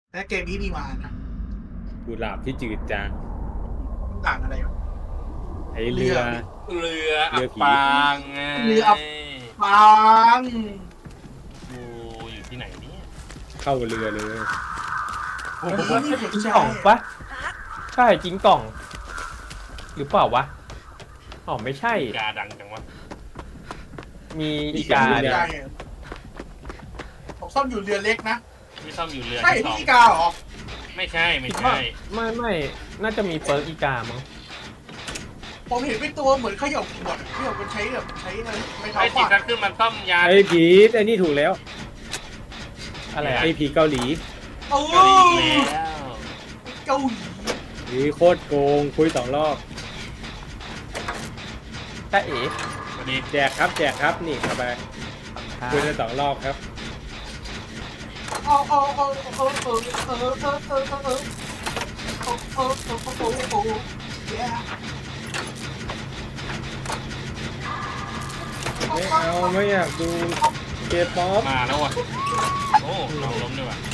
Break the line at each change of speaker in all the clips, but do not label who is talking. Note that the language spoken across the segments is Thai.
และเกมนี้มีมานะ
กุหลาบที่จืดจาง
ต่างอะไรวะ
ไอเรือ
เรือ
เรือ
อับ
ผี
ปางไง
เรืออับ ปัง
กูอยู่ที่ไหนเนี่ย
เข้าเรือเลย
โอ้โห
ไม่สน
กิ้ง
ใจ
ก่องปะใช่กิ้งก่อง หรือเปล่าวะอ๋อไม่ใช่
กาดังจังวะ
มีอีกา
ไม่สน
เนี่ย
ใจผมซ่อมอยู่เรือเล็กนะ
ที่ซ่อมอยู่เรือ
ใช่
ที่ส
พี่
อง
อีกาเหรอ
ไม่ใช่ไม่
คิด
ใช่
ว่าไม่น่าจะมีเปิร์กอีกามั้ง
ผมเห็นเป็นตัวเหมือนเขย่าขวดเขย่าเป็นใช้แบบใช้อะไรไม่เท้า
ไอ้
ฟา
ติด
ด
กันขึ้นมันซ่อมยาน
ไอผีไอนี่ถูกแล้ว
อะไร
ไอ
อะ
ผีเกาหลี
โอ้
เกาหลีอีกแล้ว
เกาหลี
หรือโคตรโกงคุย2 รอบ
จ้าเอ๋
สวัสดี
แจกครับนี่เข้าไปคุยกัน2 รอบครับ ไม่อยากดูเกย์ป๊อป
มาแล้วว่ะโอ้น้องล้มด้วยว่ะ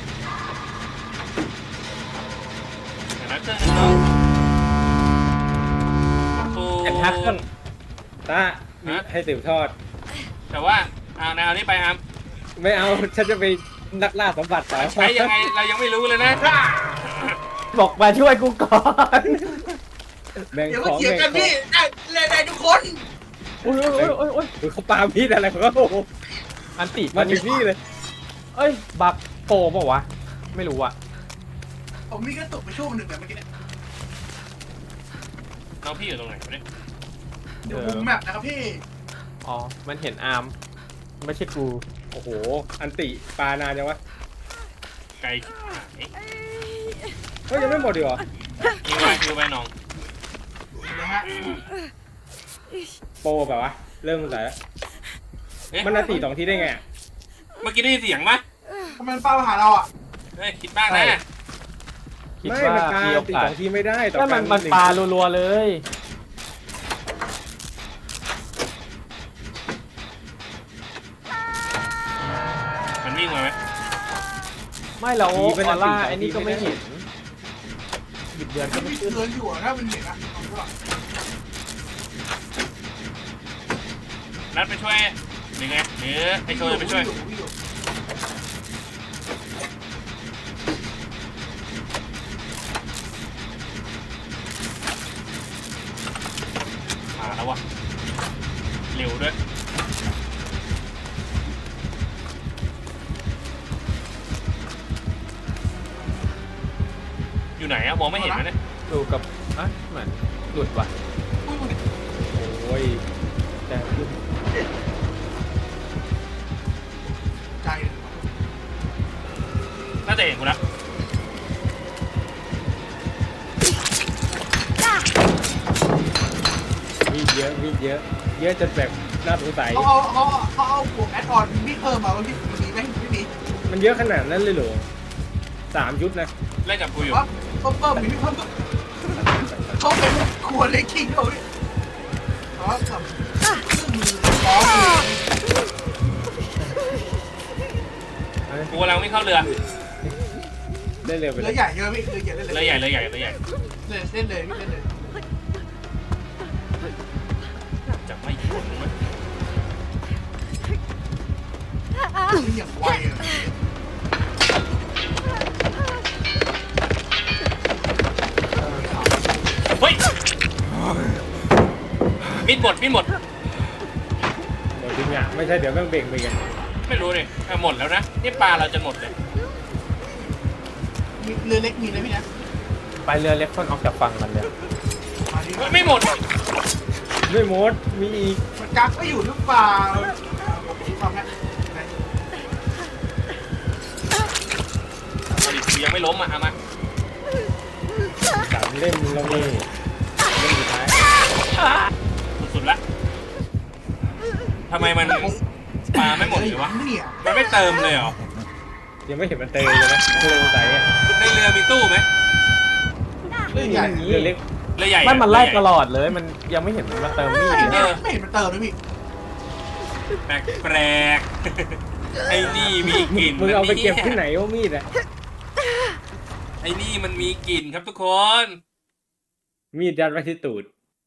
แต่นักเครื่องน้องครู
แอนทักเครื่อง
ตาให้สืบทอด
แต่ว่าเอาแนวนี้ไปอาม
ไม่เอาฉันจะไปนักล่าสมบัติต่อ
ใช้ยังไงเรายังไม่รู้เลยนะ
บอกมาช่วยกูก่อน
แบ่ง
เดี๋ยว
ข
มา
อง
เถียง
แบ่ง
กัน
ขอ
พี่
ง
ได้ทุกคน
โอ้ย
เขาปามีดอะไรของเขา
อันติ
มาถึงนี่เลย
เอ้ยบักโปรเปล่าวะไม่รู้อะ
ผมมีกระตุกไปช่วงหนึ่งแบบเมื่อกี้เนี่ย
น้องพี่อยู่ตรงไหนวะเนี่ย
เดี๋ยวมุมแมปนะครับพี่
อ๋อมันเห็นอาร์มไม่ใช่กู
โอ้โหอันติปานานจังวะ
ไกลชิบหาย
ก็ยังไม่หมดดีกว่า
คิวไปน้อง
นะฮะ
โปรแบบวะเริ่มสงสัยแล้ว
เอ๊ะ
มันอันติ2 ทีได้ไงอะ
เมื่อกี้ได้ยินเสียงปะ
ทำไมมันเฝ้ามาหาเราอ่ะ
เฮ้ยคิดบ้างนะ
คิด
ไม่
ว่า
มันปา
มีโอ
อันติ
กาส
2 ทีไม่ได้ต่อ
ก็
กั
มันปลารัวๆเลย
มันวิ่งมาไหม
ไม่แล้วออร่าไอ้นี่ก็ไม่เห็นหยุดเดือนก็
มัน
ไม่
มี
ขึ้น
เตือนอยู่อะถ้ามันเห็นอะเอาด้วย
นัดไปช่วยหรือไงหรือให้ช่วยไปช่วย
วิ่งอยู่
มาแล้ววะเร็วด้วยอยู่ไหนอะมองไม่เห็นไหมเนี่ย
ดูกับอ่ะเหมือนหลุดว่ะ
อุ้ย
โอ้ย
แต่ขึ้น
ใจเลย
น่าจะเห็นกูแล้ว
มีดเยอะเยอะจนแบบน่าสงสัย
เขาเอาบวกแอดออนที่เพิ่มมาว่าพี่มีไหมไม่มี
มันเยอะขนาดนั้นเลยเหรอ3 ชุดนะ
เล่นกับกูอยู่
ว่าเพิ่มมีเพิ่มเขาเป็นครัวเล็กคิงเขาเนี่ยอ๋อกับเครื่องมือล้อมือ
กูกำลังวิ่งเข้าเรือ
ได้เร็วไปเล
เรือย ใหญ่เยอะพี่เรือใหญ่เล่น
เรือใหญ่เรือใหญ่เรือใหญ่
เล่นเลยพี่เล่นเลย
จะไม่หยุดมั้ย
นี่อย่างไวอะ
เฮ้ยมิดหมด
หมดจริงอ่ะไม่ใช่เดี๋ยวแม่งเบ่งไปกัน
ไม่รู้เลยหมดแล้วนะนี่ปลาเราจะหมดเลย
มีเรือเล็กมีนะพี่นะ
ไปเรือเล็กคนออกจากฝั่งมันเลย
มาดิ
เฮ้ยไม่หมด
ไม่หมดมีอีก
มันกักไม่อยู่หรือเปล่าผมคิดว่าแม่
เอาดิกูยังไม่ล้มอ่ะเอามา
3 เล่มลงนี่เล่มสุดท้าย
สุดๆละทำไมมันปลาไม่หมดเลยวะ
เนี่ย
มันไม่เติมเลยเหรอ
ยังไม่เห็นมันเตยเลยนะไม่สงสัยอ่ะ
ในเรือมีตู้ไหม
เรือใหญ่
เรือเล็ก
เรือใหญ่
มันไล่
เรือใหญ่
ตลอดเลยมันยังไม่เห็นมันมาเติมมีด
เออ
ไม่เห็นมันเติมเลยพี่
แปลกๆไอ้นี่มีกลิ่น
มึงเอาไปเก็บ
นี่ย
ที่ไหนวะมีดอ่ะ
ไอ้นี่มันมีกลิ่นครับทุกคน
มีดยัดไว้ที่ตูด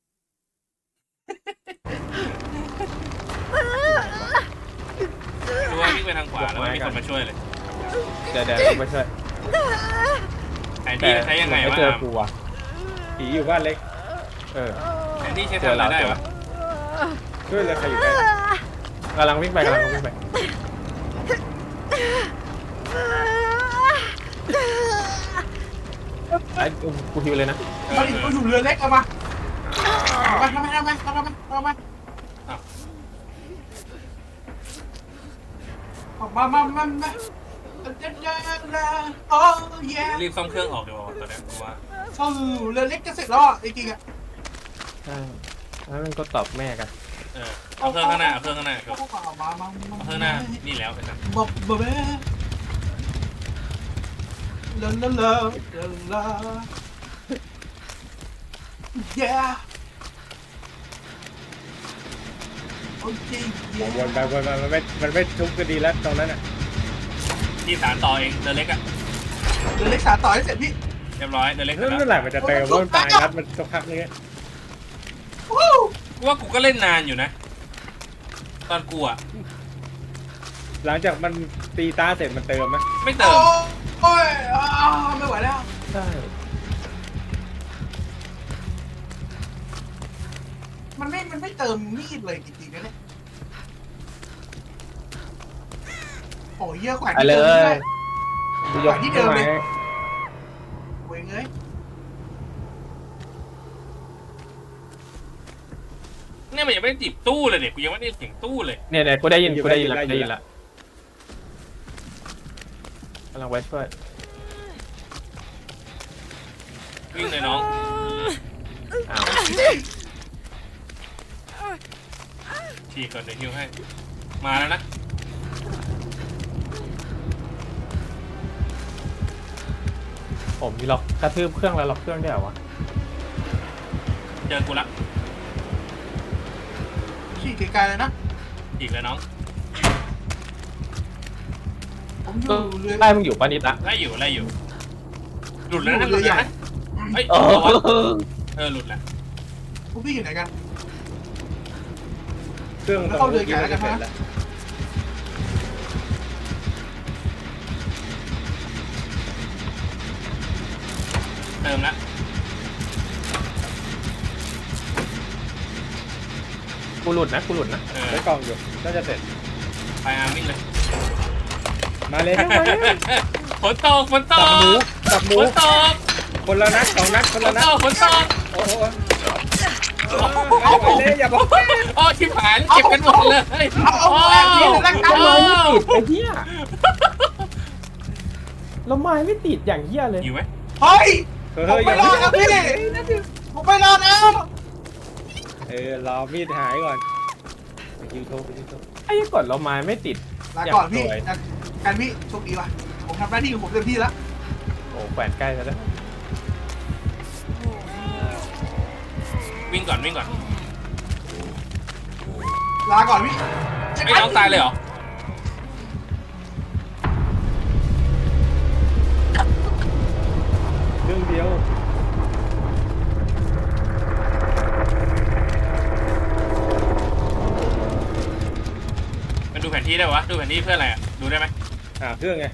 ดูว่าวิ่งไปทางขวาแล้วไม่มีคนมาช่วยเลย
เดี๋ยวไม่ช่วย
แผนที่มันใช้ยังไง
ไม่
วะ
เจอ
อาม
กูอ่ะ
ผีอยู่บ้านเล็ก
เออ
แผนที่ใช้ทำอะไรได้วะ
ช่วยเลยใครอยู่ใกล้
กำลังวิ่งไปไอ้กูฮิวเลยนะ
มาดิกูอยู่เรือเล็กเอามาทำไมออกมาโอ้ย
รีบซ่อมเครื่องออกดีกว่าตอนนี้กูว่า
เข้าเรือเล็กจะเสร็จแล้วจริงๆอ่ะ
ใช่แล้วมันก็ตอบแม่กัน
เอาเครื่องข้างหน้าเอาเครื่องข้างหน้าครับ
มา
เอาเครื่องหน้านี่แล้วไอ้สัส
บอกเบ้ลาyeah โอเค
วนไปวนมามันไม่ทุบก็ดีแล้วตรงนั้นอ่ะ
ที่สารต่อเองเดินเล็กอะ
เรือเล็กสารต่อให้เสร็จพี่
เรียบร้อยเดินเล็กเสร็จ
นั่น
แล้ว
แหละมันจะเติมว่ามันตายครับมันสักพักนึง
วู้
กูว่ากูก็เล่นนานอยู่นะ ตอนกูอะ
หลังจากมันตีตาเสร็จมันเติมไหม
ไม่เติม
โอ้ยไม่ไหวแล้ว
ใช่
มันไม่เติมมีดเลยจริงๆนะเนี่ยโอ้ยเยอะกว่า
ไปเลย
กูยกที่เดิมเลยเว้ยเงย
เนี่ยมันยังไม่ได้จีบตู้เลยเนี่ยกูยังไม่ได้เสียงตู้เลย
เนี่ยกูได้ยินละกำลังไว้ช่วย
วิ่งเลยน้อง
อ้าว
ฉีกก่อนเดี๋ยวฮิวให้ มาแล้วนะ
ผมมีล็อกกระทืบเครื่องแล้วล็อกเครื่องได้เหรอวะ
เจอกูละ
ขี่ไกลๆเลยนะ
ฉีกเลยน้อง
ผมอยู่เรือ
ไล่มึงอยู่ปานิดละ
ไล่อยู่หลุดแล้วนะหลุดแล้วนะเฮ้ยหลุดแล้ว
พวกพี่อยู่ไหนกัน
เครื่องตรงนู้นจะเสร็จแล้ว
เติมละ
กูหลุดนะ
ได้กล่องอยู่น่าจะเสร็จ
ไปอาร์มวิ่งเลย
มาเลย
ฝนตก
จับหมู
ฝนตก
คนละนัด2 นัดคนละนัด
ฝนตก
โอ้โหไปเลยอย่าบอก
อ๋อชิบหายเก็บกันหมดเลย
เอาแอบยิงแล้วกัน
ไม้ไม่ติดไอ้เหี้ยแล้วไม้ไม่ติดอย่างเหี้ยเลย
อยู่ไหม
เฮ้ย
เฮ้ย
ผมไปรอแล้วพี่ผมไปรอแล้ว
รอมีดหายก่อนไปคิวโทร
ไอ้กดแล้วไม้ไม่ติด
ลาก่อนพี่กันพี่โชคดีว่ะผมทำหน้าที่ของผมเต็มที่แล้ว
โอ้แขวนใกล้แล้วนะ
วิ่งก่อน
ลาก่อนพี่
ไม่น้องตายเลยเหรอ
เรื่องเดียว
มันดูแผนที่ได้วะ ดูแผนที่เพื่ออะไรอ่ะ ดูได้ไหม
หาเครื่องไง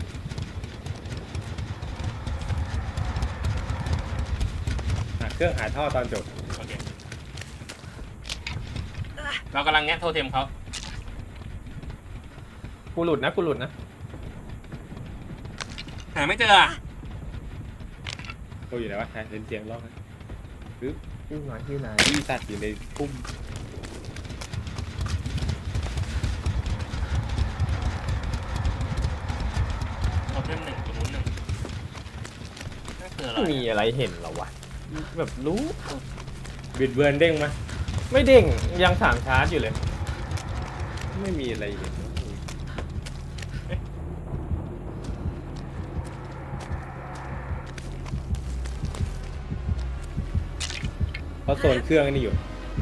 หาเครื่องหาท่อตอนจบ
โอเค เรากำลังแงะโทเทมเขา
กูหลุดนะ
หาไม่เจออ่ะ
โอ้ยอยู่ไหนวะเห็นเสียงร้องปึ๊บ
ที่ไหน
อีสัตว์อยู่ในพุ่ม
โทเทม1ตรงนู้น1นั่นคืออะไร
ไม่มีอะไรเห็นเหรอวะแบบรู้
บิดเบือนเด้งมา
ไม่เด้งยังถามชาร์จอยู่เลย
ไม่มีอะไรเห็นเขาโซนเครื่องนี่อยู่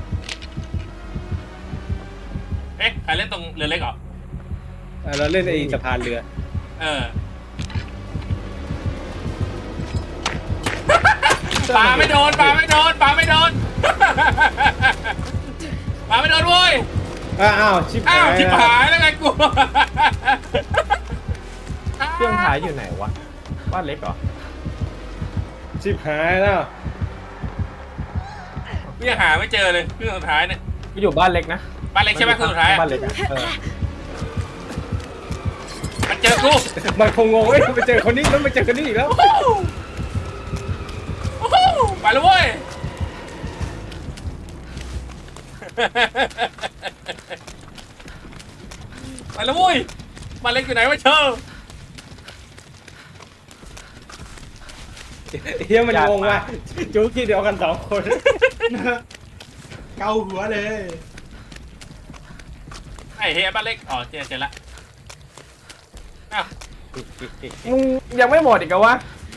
เอ๊ะ ใครเล่นตรงเรือเล็กเหรอ
เราเล่นไอ้สะพานเรือ
เออปลาไม่โดนปลาไม่โดนปลาไม่โดนปลาไม่โดนเว้ย
อ้าวชิบ
อ้า
หา
วย ชิบหายแล้วไงกู
เครื่องท้ายอยู่ไหนวะบ้านเล็กเหรอ
ชิบหายแล้ว
กูยังหาไม่เจอเลยเครื่องสุดท้ายเนี่ย
กูอยู่บ้านเล็กนะ
บ้านเล็กใช่ไหมเครื่องสุดท้าย
บ้านเล็กอะเออ
มันเจอกู
มันคงงงเอ้ยไปเจอคนนี้แล้วไปเจอคนนี้อีกแล้ว
โอ้โหไปแล้วเว้ยไปแล้วเว้ยบ้านเล็กอยู่ไหนวะเชอ
เฮียมันงงว่ะจู๊กี้เดียวกัน2 คน
เกาหัวเลย
ไอ้เฮียบ้านเล็กอ๋อเจอละอ้าว
มึงยังไม่หมดอีกเหรอวะ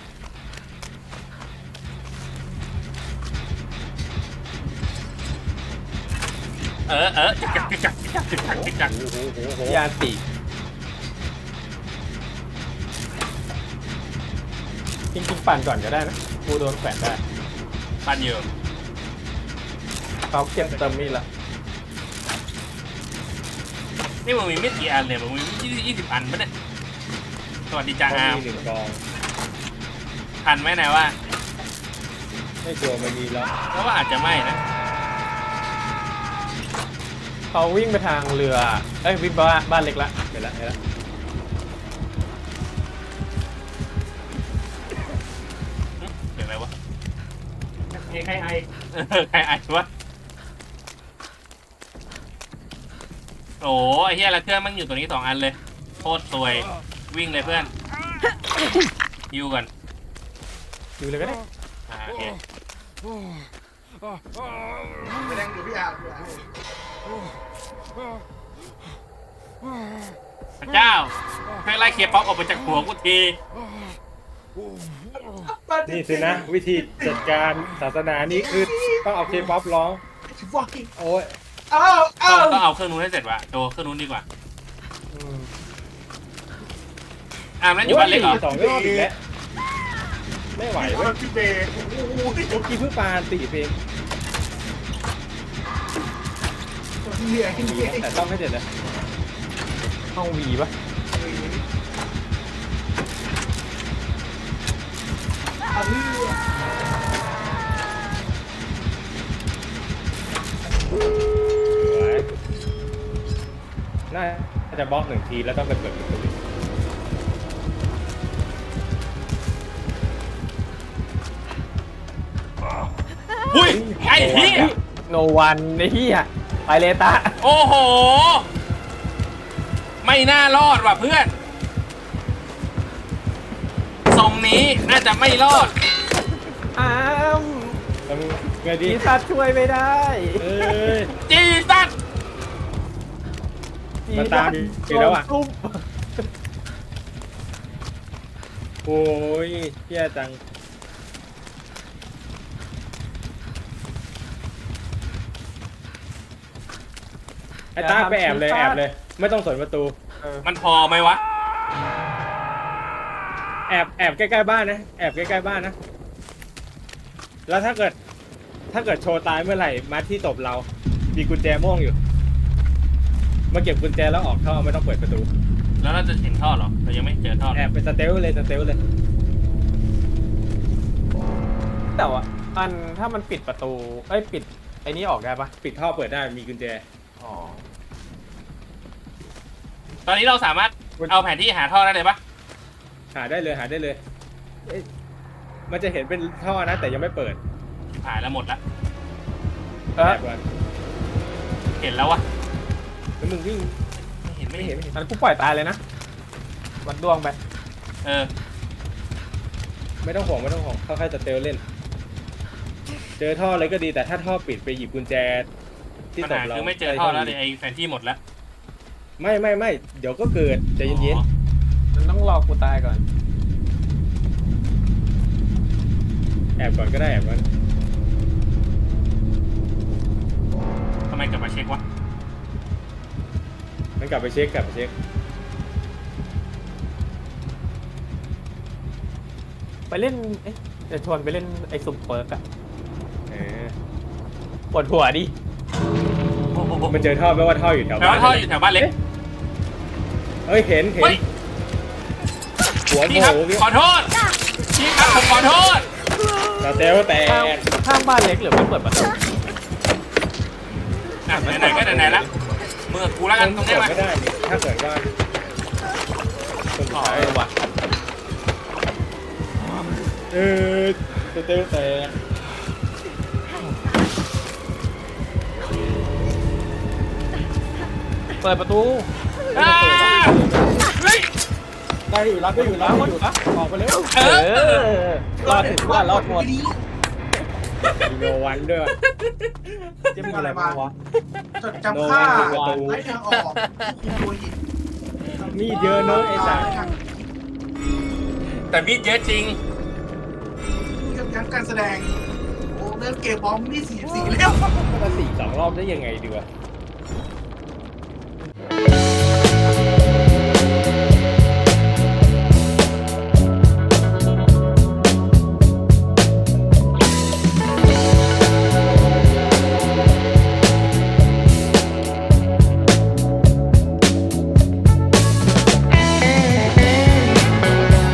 จัก
ยาติจริงๆปั่นก่อนก็ได้นะกูโดนแขวนได้
ปันอยู่
เขาเก็บเติมมีดละ
นี่มึงมีไม่กี่อันเลยมึงมี20 อันปะเนี่ยสวัสดีจ้าอาร์ม
มี1 กอง
ทันไหมนายว่า
ไม่กลัวมันมีแล้ว
แล้วว่าอาจจะไม่นะ
เขาวิ่งไปทางเรือเอ้ยวิ่งบ้านเล็กละ
ไปแล้วไปแล้ว
เห็นไหมวะ
ใครไอ
ใครอ่านวะโอ้ไอ้เหี้ยละเครื่องมันอยู่ตัวนี้2 อันเลยโคตรสวยวิ่งเลยเพื่อนยูก่อน
อยู่เลยก็ได้
โอเค
แสดงอยู่พี่อาร์
พระเจ้าให้ไล่เคลียร์ป๊อปออกไปจากหัวกูที
นี่สินะวิธีจัดการศาสนานี้คือต้องเอาเคป๊อปร้อง
ฟักกิ้ง
โอ้ย
เอ้าเอ้า
ต้องเอาเครื่องนู้นให้เสร็จว่ะโดเครื่องนู้นดีกว่า
อืม
อาร์มนั่นอยู่บ้านเล็กเหรอ
2 รอบอีกแล้วไม่ไหวเว้ย
พี่เบย์โอ้โห
เมื่อกี้เพิ่งปาตีเพลง
เหนื่อย
แต่ต้องไม่เสร็จเลย
ห้องวีปะ
เอาเรื่อง
น่าจะบล็อก1 ทีแล้วต้องไปเปิดประตู
หุ้ยไอ้เหี้ย
โนวันไอ้เหี้ยไปเลยตา
โอ้โหไม่น่ารอดว่ะเพื่อนทรงนี้น่าจะไม่รอด
อ้าม
ทำไงดี
ปีศาจช่วยไม่ได้
เอ้ย
จีสัต
มันตามอยู่แล้วอะ
โดนทุบ
โอ้ยเฮี้ยจังไอ้ตาไปแอบเลยไม่ต้องสนประตู
เออ
มันพอไหมวะ
แอบใกล้ๆบ้านนะแอบใกล้ๆบ้านนะแล้วถ้าเกิดโชว์ตายเมื่อไหร่มาที่ตบเรามีกุญแจม่วงอยู่มาเก็บกุญแจแล้วออกท่อไม่ต้องเปิดประตู
แล้วเราจะเห็นท่อเหรอเรายังไม่เจอท่อ
แอบเป็นสเตลเลย
แต่ว่าอันถ้ามันปิดประตูเอ้ยปิดไอ้นี้ออกได้ปะ
ปิดท่อเปิดได้มีกุญแจ
อ๋อ
ตอนนี้เราสามารถเอาแผนที่หาท่อได้เลยปะ
หาได้เลยเอ้ยมันจะเห็นเป็นท่อนะแต่ยังไม่เปิด
หายแล้วหมดละ
เออ
แอบก่อน
เห็นแล้ววะ
แล้วมึงวิ่ง
ไม่เห็น
อันกูปล่อยตายเลยนะวัดดวงไป
เออ
ไม่ต้องห่วงค่อยๆสเตลเล่น เจอท่อเลยก็ดีแต่ถ้าท่อปิดไปหยิบกุญแจที่
ปัญ
ตบ
หา
เรา
คือไม่เจอท่อแล้วเลยไอ้แผนที่หมดแล้ว
ไม่เดี๋ยวก็เกิดใจเย็น
อ๋อ
มันต้องรอกูตายก่อน
ๆแอบก่อนก็ได้แอบก่อน
ทำไมกลับมาเช็ควะ
มันกลับไปเช็ค
ไปเล่นเอ๊ะจะชวนไปเล่นไอ้สุ่มเปิร์กอะ
เออ
ปวดหัวดิ
มันเจอท่อแปลว่าท่ออยู่แถว
แล้ว
บ้าน
ท่ออยู่แถวบ้านเล็ก
เฮ้ยเห็น
เฮ้ย
หัวโผ
พี่ครับ
ล่
ขอโทษพี่ครับผมขอโทษ
สเตลแต
ข้าง
ก
บ้านเล็กหรือไม่เปิดประตู
อ่ะไหนๆก็ไหนๆแล้วมือกูแล้วกันตรงนี้
เปิด
มา
ไม่ได้นี่ถ้าเกิดว่าคน
อ๋อ
ท้าย
ว่ะ
เออสเตลแตก
เปิดประตู
อ่าเฮ้ย
ได้อยู่รับได้อยู่รับได้อยู่ออกไปเร็ว
เอ
เอ
อ
อรอดถึงว่ารอดหมด
ดี
มีโนวันด้วย
จะมีอะไรบ้างวะ
จดจำค่า
โนวัน
ไร้ทางออกคุมตัวหิน
มีดเยอะเนอะไอ้สัส
แต่มีดเยอะจริง
กับยั้งการแสดงโอ้เริ่มเกมพร้อมมี44แล้ว
มา4 2 รอบได้ยังไงดีวะ